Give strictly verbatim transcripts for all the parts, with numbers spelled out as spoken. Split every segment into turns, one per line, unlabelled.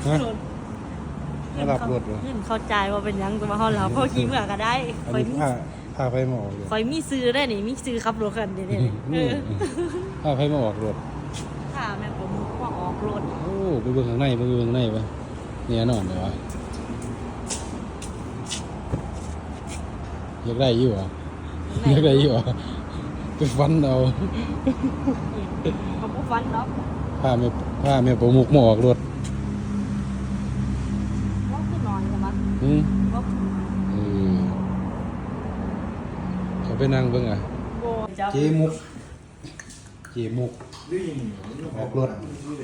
ฮะมารับรถเหรอ
เงินเข้าใจว่าเป็นหยังจะมาเฮาแล้วพ่อขี้เมื่อก็ได้
อัน
คอย
นี้
มี
พาพาไปมาออกรถ
คอยมีซื้อได้นี่มีซื้อขับรถกันเด้ๆเออ
พาไปมาออกรถ
ค่ะแม่ผมว่าออกรถ
โอ้ไปเบิ่งข้างในไปเบิ่งข้างในปะเนี่ยนอนเลยวะอยากได้อยู่เหรออยากได้อยู่เหรอไปฟันเอา
เขาบ่ฟันเนาะ
พาแม่พาแม่ประมุกมาออกรถ
ว่าคือนอนใช่มั้ย
อืม
ว่า
เออเขาไปนั่งเบิ่งอ่ะ
โบจับ
เจมุกเจมุกออกรถ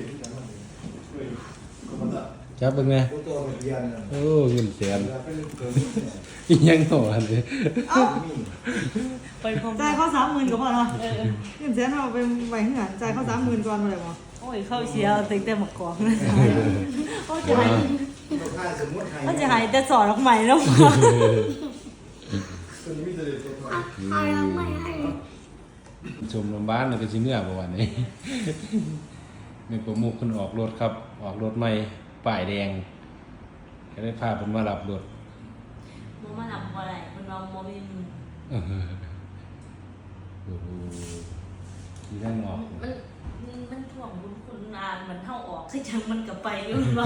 จับเบิ่งไงโอ้เงินแสนอีหยังหนออันนี้
ไปพร้อม
จ่ายเขาสามหมื่นก็พอเนาะเงินแสนเอาไปไว้ที่ไหนจ่ายเขาสามหมื่นก่อนมาเลยมั้ง
โอ้ยเข้าเสียตึงแต่หมกกองนะเขาจะให้เขาจะให้แต่สอนออกใหม่แล้ว
ชมโรงพยาบาลแล้วก็สิเมื่อประวันนี้แม่ประมุกเพิ่นออกรถครับ ออกรถใหม่ป้ายแดงก็ได้พาเพิ่นมารับรถ
บ่มาหลับบ่ได้เพิ่นว่าบ่มีมือ
เออโอ้โหที่นั่งออก
มันมันมันถ่วงบุญคุณนานมันเท่าออกคือจังมันก็ไปอยู่ว่า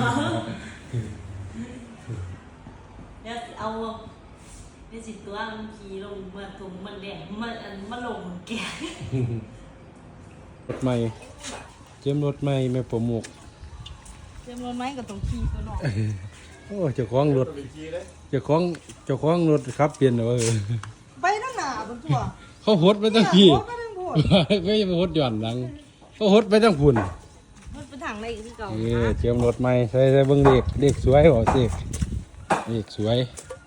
เดี๋ยวเอาเดี๋ยวสิตัวมันขี่ลงมาถุงมันแดงมันอันมันลงแก่
รถใหม่เจิมรถใหม่แม่ประมุก
เต็มรถไหมก็ต้องขี่ตัวหนอก
โอ้เจ้าของรถเจ้าของเจ้าของรถครับเปลี่ยนแล้วเออ
ไปทั้งหน้าบนตัว
เขาหดไปตั้งพี่
โอ้ไปทั้งพูด
ไม่ไปหดหย่อนหลังเขาหดไปตั้งพุ่น
มันเป็นทางไหนคือเก่า
เออเจิมรถใหม่ใส่ใส่เบิ่งเด็กเด็กสวยบ่สิเด็กสวย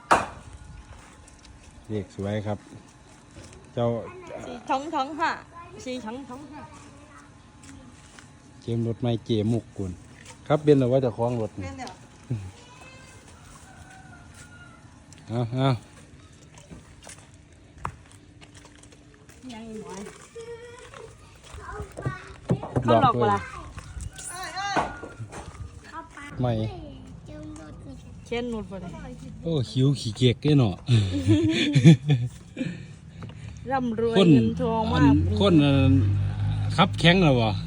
เด็กสวยครับ เจ้า
สีท้องท้องห่ะสีท้องท้องห่ะ
เจิมรถใหม่เจมุกกุนครับเป็นแล้วว่าเจะคล้าของรถ
แม่นเดี๋ยว
เอาเอา
ยังอีกหน่อย
หล
เขา
อก
หลอก
เล
เว
ย
ลา
เอ้ยเอ้ย
ใหม่
เช่นนูดไปเลย
โอ้หิวขี้เกียจเลยเนาะ
ร่ำรวย
คน
เงินทอง
อั
มาน ก
คนอันขับแข็งแล้วบ่
บ่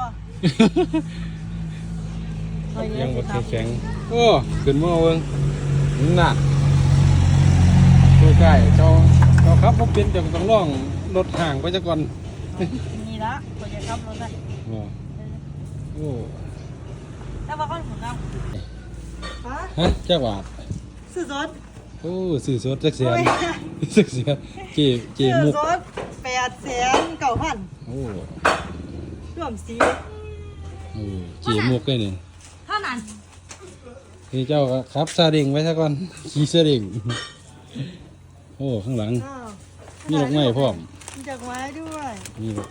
คอย
ยั
เลี้ย
ง
ง
บ่
ครับ
แข็งโอ้ขึ้นมาเบิ่งน่ะตัวใกล้เจ้าเจ้าครับบ่เป็นเจ้าก็ต้องลองรถห่างไปซะก่อน
นี่ละคอยจะขับรถได้
บ่โอ้
แต่ว่าเขาหมุนเอา
ฮะ
ฮะจักบาท
ซื้อสด
โอ้ซื้อสดจักแสน
โอ้ย
จักแสนเจเจ
ซื้อ
มุก
สดแปดแสนเก้าพัน
โอ้
รวมสี
โอ้เจมุกเลยนี่
เท่านั้น
นี่เจ้าก็ขับซาเด้งไว้ซะก่อนขี่ซาเด้งโอ้ข้างหลัง
อ้าว
มีดอกไม้พร้อม
มีดอกไม้ด้วย
มีดอก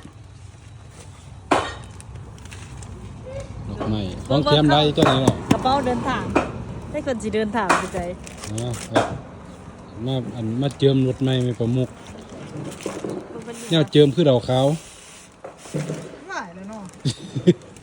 ดอกไม้ของเทียมไรเจ้าไหนเนาะ
กระเป๋าเดินทางให้คนสิเดินทางไปใจ
อ๋อครับมาอันมาเจิมรถไม้ไม่ประมุกเนี่ยเจิมคือดอกขาว
หลายเลยเนาะ